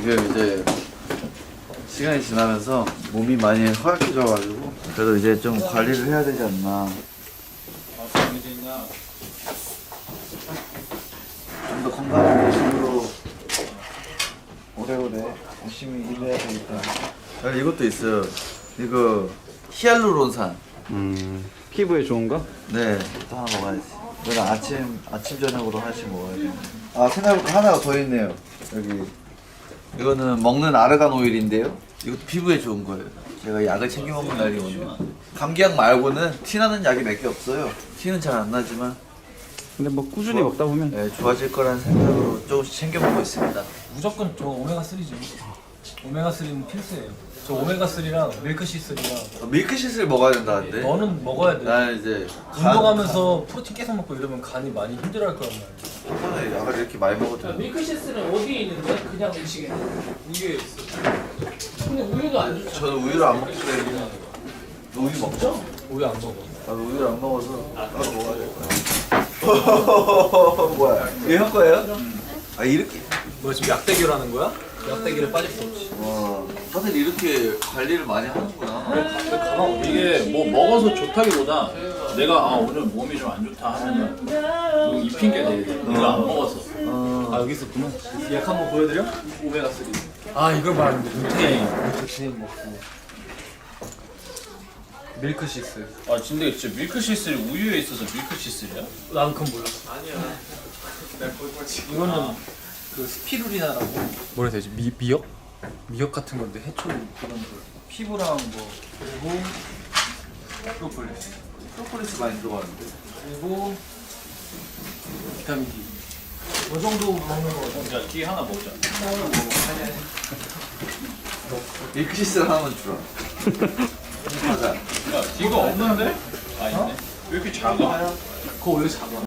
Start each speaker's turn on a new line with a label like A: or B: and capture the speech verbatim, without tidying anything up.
A: 지금 이제 시간이 지나면서 몸이 많이 허약해져가지고 그래도 이제 좀 관리를 해야 되지 않나. 좀 더 건강한 모습으로 오래오래 열심히 일해야 되겠다. 여기 이것도 있어요. 이거 히알루론산.
B: 음, 피부에 좋은가?
A: 네, 또 하나 먹어야지. 이건 아침 아침 저녁으로 하나씩 먹어야 돼. 아 생각해보니까 하나가 더 있네요. 여기 이거는 먹는 아르간 오일인데요. 이것도 피부에 좋은 거예요. 제가 약을 챙겨 먹는 날이 오네요. 감기약 말고는 티 나는 약이 몇 개 없어요. 티는 잘 안 나지만
B: 근데 뭐 꾸준히
A: 좋아-
B: 먹다 보면
A: 네, 좋아질 거라는 생각으로 조금씩 챙겨 먹고 있습니다.
C: 무조건 저 오메가삼이죠. 오메가삼은 필수예요. 저 오메가삼이랑 밀크시슬이랑
A: 어, 밀크시슬 먹어야 된다는데.
C: 너는 먹어야 돼.
A: 나 이제
C: 운동하면서 프로틴 계속 먹고 이러면 간이 많이 힘들어할 거란 말이야.
A: 한 번에 약을 이렇게 많이 먹어도 돼.
D: 밀크시스는 어디에 있는데? 그냥 음식에 우유에 있어. 근데 우유도 안 좋죠.
A: 저는 우유를 안 먹기 때문에. 너 우유 먹죠?
C: 우유 안 먹어.
A: 나도 우유를 안 먹어서 따로 먹어야 될 거야. 뭐야? 이거 형 거예요? 아 이렇게.
C: 뭐 지금 약대결하는 거야? 약대결에 빠질 수 없지.
A: 와, 다들 이렇게 관리를 많이 하는구나.
E: 이게 뭐 먹어서 좋다기보다 내가 아 오늘 몸이 좀 안 좋다 하면은 이거 이 핑계 대야 돼. 내가 안 먹어서.
C: 아 여기 있었구나. 약 한번 보여드려? 오메가삼. 아 이걸 말하는데 루테인. 루테인 먹고. 밀크시스.
E: 아 근데 진짜 밀크시슬이 우유에 있어서 밀크시슬이야?
C: 난 그건 몰랐어. 아니야. 이거는 그 스피루리나라고 뭐라 해야 되지? 미, 미역? 미역 같은 건데 해초 그런 거 피부랑 뭐 그리고 프로폴리스
A: 프로폴리스 많이 들어가는데.
C: 그리고 비타민 D 이 정도 먹는 거
E: 야 뒤에 하나 먹자.
A: 밀크시슬 하나만 주라. 가자.
E: 야 이거 없는데? 아 있네. 왜 이렇게 작아?
C: 그거 왜 작아?